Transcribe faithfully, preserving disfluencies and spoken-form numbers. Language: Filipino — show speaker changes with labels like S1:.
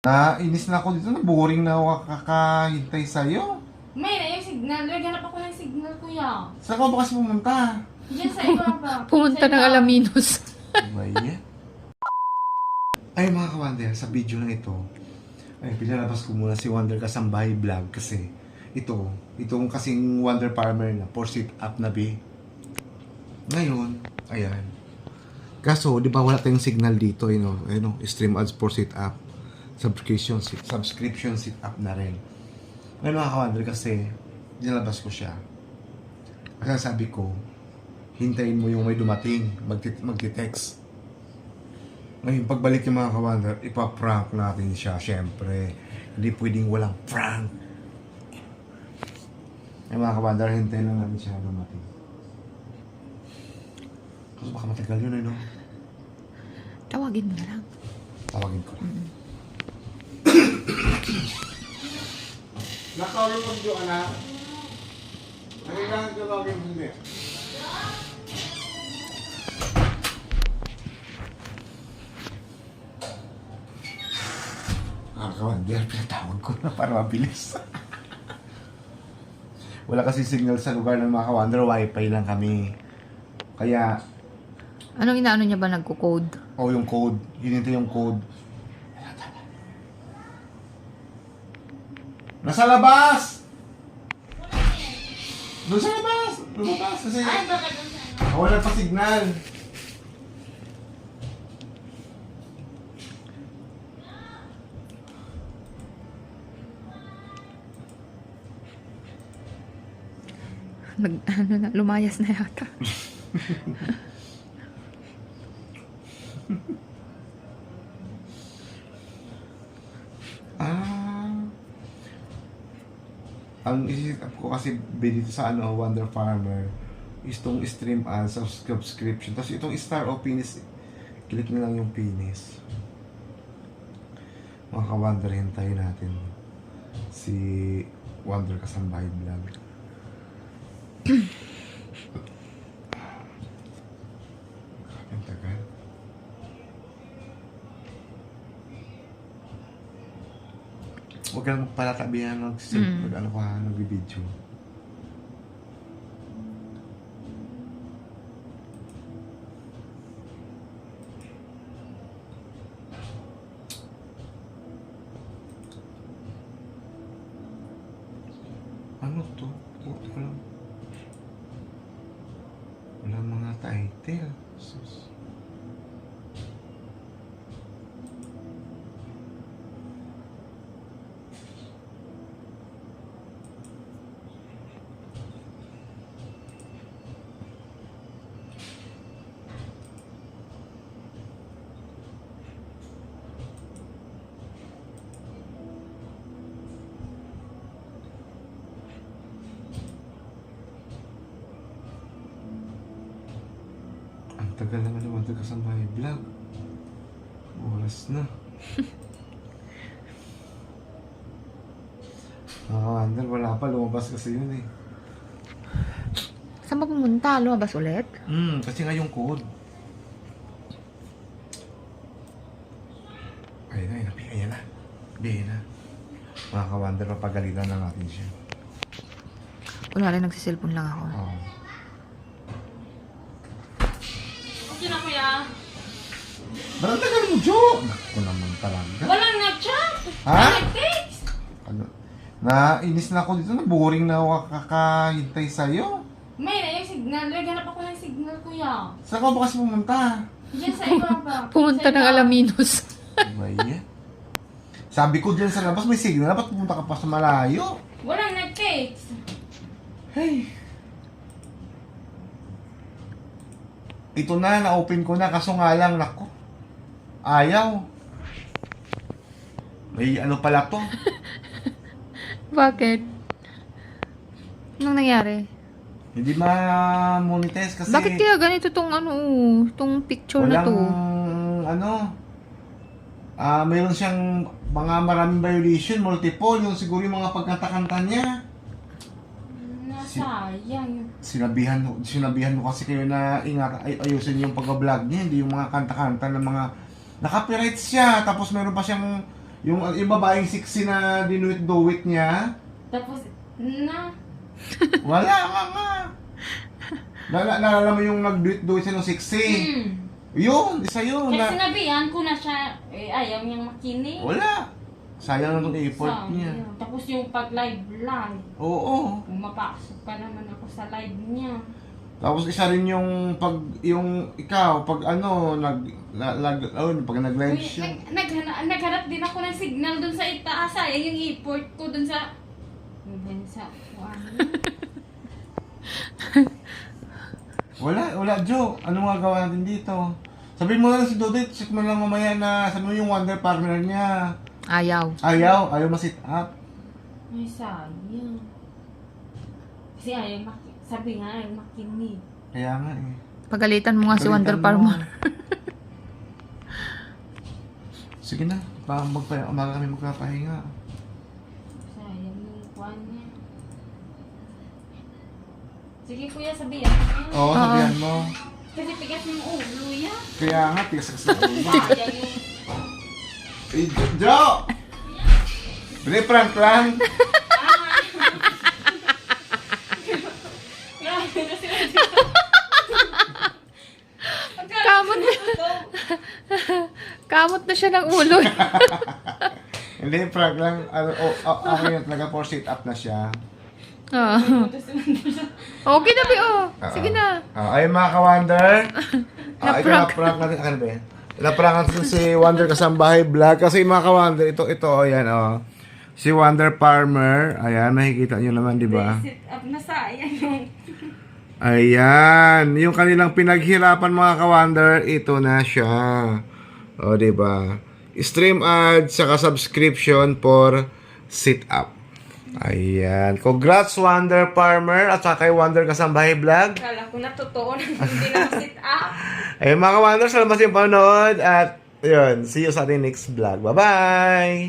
S1: Nainis na ako dito, na boring na ako kakahintay sa'yo.
S2: May na yung signal. Naghanap ako ng signal, kuya.
S1: Saan ka ba kasi pumunta?
S2: Diyan sa iba ba?
S3: Pumunta
S2: Sa
S3: ng
S2: iba.
S3: Alaminos.
S1: May Ay mga kawander, sa video na ito, ay pinalabas ko muna si Wonder Kasambahay Vlog kasi ito, itong kasing Wonder Farmer na for sit up na B. Ngayon, ayan. Kaso, di ba wala tayong signal dito, you know, you know, stream ads for sit up. Subscription, sit, subscription sit up na rin. Ngayon mga kawander kasi, nilabas ko siya. Kasi sabi ko, hintayin mo yung may dumating, magti- magti-text. Ngayon, pagbalik yung mga kawander, ipaprank natin siya, syempre. Hindi pwedeng walang prank. Ay mga kawander, hintayin lang natin siya dumating. Kasi baka matagal yun, eh, no?
S3: Tawagin mo na lang.
S1: Tawagin ko.
S3: Mm-hmm.
S1: Nakawin mo yung anak. Kailangan tawagin mo hindi. Ah, kawander, pinatawag ko na para mabilis. Wala kasi signal sa lugar ng mga kawander, wifi lang kami. Kaya,
S3: Anong inaano niya ba nagko-code?
S1: o oh, yung code, hinintay yung code. Nasa labas! Doon sa labas! Lumabas kasi
S2: Ay, baka doon sa ano.
S1: wala pa signal.
S3: Nag, ano na, lumayas na yata.
S1: Ah. Ang isip ko kasi dito sa ano, Wonder Farmer is itong stream ads, subscription. Tapos itong star o penis, click nyo lang yung penis. Mga ka-Wonder, hintayin natin si Wonder Kasambahay Vlog. Ang tagal. Huwag kang palatabihan ng
S3: Mm.
S1: pag ano ka, nag-video. Ano to? Puto ko lang. Wala mga title. Sus. Ang tagal naman naman ito Kasambahay Vlog. Oras na. Nakakandal, wala pa. Lumabas kasi yun eh.
S3: Saan ba pumunta? Lumabas ulit?
S1: Hmm, kasi nga yung code. Ayun na, ayun na. Ayun na. Ayun na. Mga ka-Wonder, papagalitan na natin siya.
S3: Wala rin, nagsiselfon lang ako.
S1: Oo.
S2: Okay na, kuya.
S1: Ba't ang tagal mo, Jo? Naku naman talaga.
S2: Walang nag-chat.
S1: Ha?
S2: Walang nag-text.
S1: Ano? Nainis na ako dito, na boring na ako kakahintay sa'yo.
S2: May na yung signal. Naghanap ako ng signal, kuya.
S1: Saan ka ba kasi pumunta?
S2: Diyan sa iba ba?
S3: Pumunta
S2: Sa
S3: ng
S2: iba.
S3: Alaminos.
S1: May Sabi ko dyan sa labas, may signal. Dapat pumunta ka pa sa malayo.
S2: Walang nag-text.
S1: Hey. Ito na, na-open ko na. Kaso nga lang, nako. Ayaw. May ano pala to.
S3: Bakit? Anong nangyari?
S1: Hindi ma-monetize kasi
S3: Bakit kaya ganito tong ano, tong picture na
S1: walang,
S3: to?
S1: ano, ah mayroon siyang mga maraming violation, multiple, yung siguro yung mga pagkanta-kanta niya.
S2: Nasayang.
S1: Sinabihan, sinabihan mo kasi kayo na ingat, ay, ayusin yung pag-vlog niya, hindi yung mga kanta-kanta ng mga, naka-copyright siya, tapos meron pa siyang Yung, yung babaeng sexy na dinuit-duit niya.
S2: Tapos, na,
S1: Wala nga nga. Nala, naalala mo yung nag-duit-duit siya ng sexy.
S2: hmm.
S1: Yun, isa yun.
S2: Kaya
S1: Na,
S2: sinabihan ko na siya, eh, ayaw niyang makinig.
S1: wala. Sayang na itong effort
S2: Sayang.
S1: niya.
S2: Tapos yung pag-live live,
S1: Oo.
S2: pumapasok pa naman ako sa live niya.
S1: Tapos isa rin yung pag yung ikaw pag ano nag lag, lag oh, pag nag-live
S2: Uy,
S1: siya.
S2: nag, naghanap, naghanap din ako ng signal dun sa itaas. Sayang yung effort ko dun sa... Dun sa... Ano?
S1: Wala, wala Joe. Ano magagawa natin dito? Sabihin mo lang si Dodit, check mo lang mamaya na sabi mo yung wonder partner niya.
S3: Ayaw.
S1: Ayaw, ayaw ma-sit up.
S2: Ay, sayang. Kasi ayaw maki... Sabi nga, ayaw makinig.
S1: Kaya nga eh.
S3: Pagalitan mo nga si Wonder
S1: Palitan mo.
S3: Farmer.
S1: Sige na, baka magpa umaga kami magpapahinga.
S2: Sayang yung kwan niya. Sige kuya, sabihan ko yan.
S1: Oo, sabihan mo.
S2: Kasi tigas yung ulo yan.
S1: Kaya nga, tigas sa ulo.
S2: Sayang yung...
S1: Eh, Jo- Joe! Pre, prank lang.
S3: Kamot na, kamot na siya ng ulo.
S1: Hindi, prank lang. Ano, oh, oh, ako yun talaga for sit up na siya.
S3: Oo. Okay na, Bi, oh. Sige na.
S1: Ah, ay mga ka-Wonder. Ah, ito
S3: Na-prank.
S1: na-prank natin. Ano ba yan? Na-prank natin si Wonder Kasambahay Vlog. Kasi mga ka-Wonder, ito, ito, oh, yan, oh. Si Wonder Farmer. Ayan, makikita nyo naman, di ba?
S2: Sit up na sayang yung...
S1: Ayan. Yung kanilang pinaghirapan mga ka-Wonder, ito na siya. O, di ba? Stream ads, saka subscription for sit up. Ayan. Congrats, Wonder Farmer, at saka kay Wonder Kasambahay Vlog.
S2: Kala ko na totoo na hindi na sit up.
S1: Ayun mga ka-Wonder, salamat sa yung panonood. At yun, see you sa ating next vlog. Bye-bye!